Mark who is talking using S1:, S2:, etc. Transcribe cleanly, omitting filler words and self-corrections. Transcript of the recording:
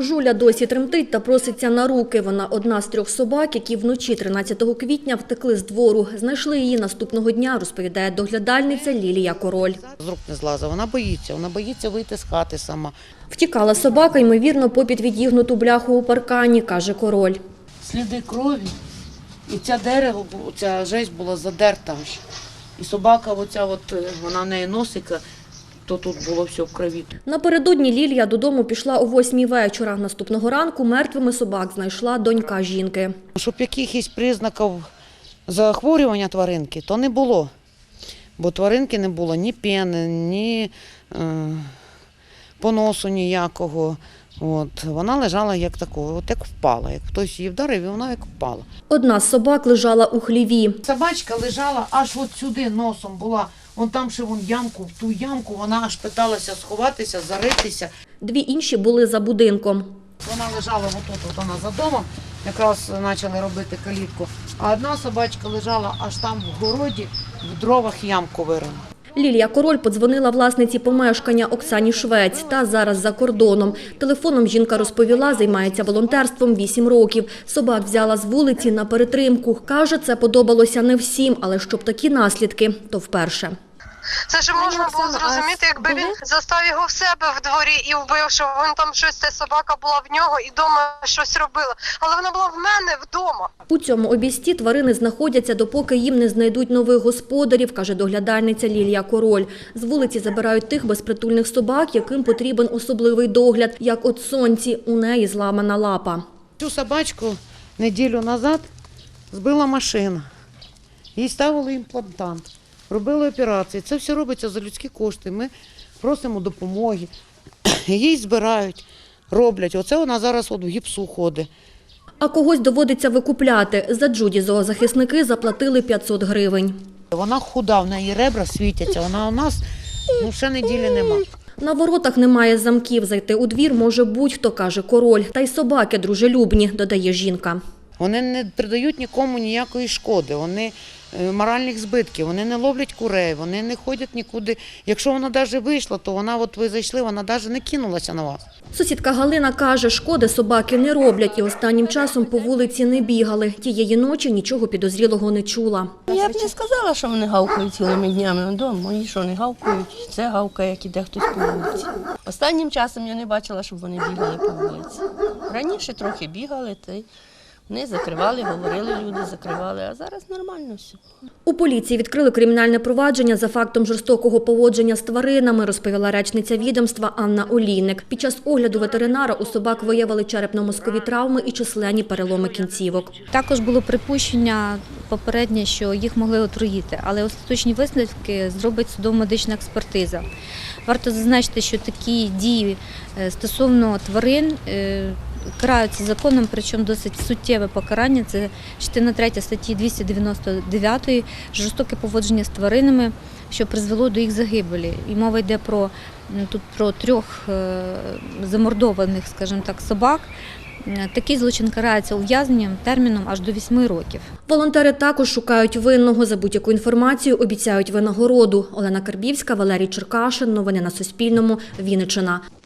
S1: Жуля досі тремтить та проситься на руки. Вона одна з 3 собак, які вночі 13 квітня втекли з двору. Знайшли її наступного дня, розповідає доглядальниця Лілія Король.
S2: З рук не злазить, вона боїться вийти з хати сама.
S1: Втікала собака, ймовірно, попід відігнуту бляху у паркані, каже Король.
S2: Сліди крові, і ця дерево, ця жесть була задерта аж. І собака, вона в неї носика, то тут було все в крові.
S1: Напередодні Лілія додому пішла о 8-й вечора. Наступного ранку мертвими собак знайшла донька жінки.
S2: Щоб якихось признаків захворювання тваринки, то не було. Бо тваринки не було ні пени, ні поносу ніякого. Вона лежала як такого, як впала. Як хтось її вдарив, і вона як впала.
S1: Одна з собак лежала у хліві.
S2: Собачка лежала аж от сюди носом була. Там ще ямку, в ту ямку вона аж питалася сховатися, заритися.
S1: 2 інші були за будинком.
S2: Вона лежала вона за домом, якраз почали робити калітку. А одна собачка лежала аж там в городі, в дровах ямку вирила.
S1: Лілія Король подзвонила власниці помешкання Оксані Швець, та зараз за кордоном. Телефоном жінка розповіла, займається волонтерством 8 років. Собак взяла з вулиці на перетримку. Каже, це подобалося не всім, але щоб такі наслідки, то вперше.
S3: Це ж можна було зрозуміти, якби він застав його в себе в дворі і вбив, що він там щось, ця собака була в нього і вдома щось робила. Але вона була в мене вдома.
S1: У цьому обійсті тварини знаходяться, допоки їм не знайдуть нових господарів, каже доглядальниця Лілія Король. З вулиці забирають тих безпритульних собак, яким потрібен особливий догляд. Як от Сонці, у неї зламана лапа.
S2: Цю собачку неділю назад збила машина. Їй ставили імплантант. Робили операції. Це все робиться за людські кошти. Ми просимо допомоги. Її збирають, роблять. Оце вона зараз в гіпсу ходить.
S1: А когось доводиться викупляти. За Джуді зоозахисники заплатили 500 гривень.
S2: Вона худа, в неї ребра світяться. Вона у нас ще неділі нема.
S1: На воротах немає замків. Зайти у двір може будь-хто, каже Король. Та й собаки дружелюбні, додає жінка.
S2: Вони не придають нікому ніякої шкоди, вони моральних збитків, вони не ловлять курей, вони не ходять нікуди. Якщо вона навіть вийшла, то ви зайшли, вона навіть не кинулася на вас.
S1: Сусідка Галина каже, шкоди собаки не роблять і останнім часом по вулиці не бігали. Тієї ночі нічого підозрілого не чула.
S4: Я б не сказала, що вони гавкають цілими днями вдома. Мої що не гавкають, це гавкає, як іде хтось по вулиці. Останнім часом я не бачила, щоб вони бігали по вулиці. Раніше трохи бігали, вони закривали, говорили люди, закривали, а зараз нормально все.
S1: У поліції відкрили кримінальне провадження за фактом жорстокого поводження з тваринами, розповіла речниця відомства Анна Олійник. Під час огляду ветеринара у собак виявили черепно-мозкові травми і численні переломи кінцівок.
S5: Також було припущення попереднє, що їх могли отруїти, але остаточні висновки зробить судово-медична експертиза. Варто зазначити, що такі дії стосовно тварин караються законом, причому досить суттєве покарання. Це частина 3 статті 299 жорстоке поводження з тваринами, що призвело до їх загибелі. І мова йде про 3 замордованих, скажімо так, собак. Такий злочин карається ув'язненням терміном аж до 8 років.
S1: Волонтери також шукають винного. За будь-яку інформацію обіцяють винагороду. Олена Карбівська, Валерій Черкашин. Новини на Суспільному. Вінниччина.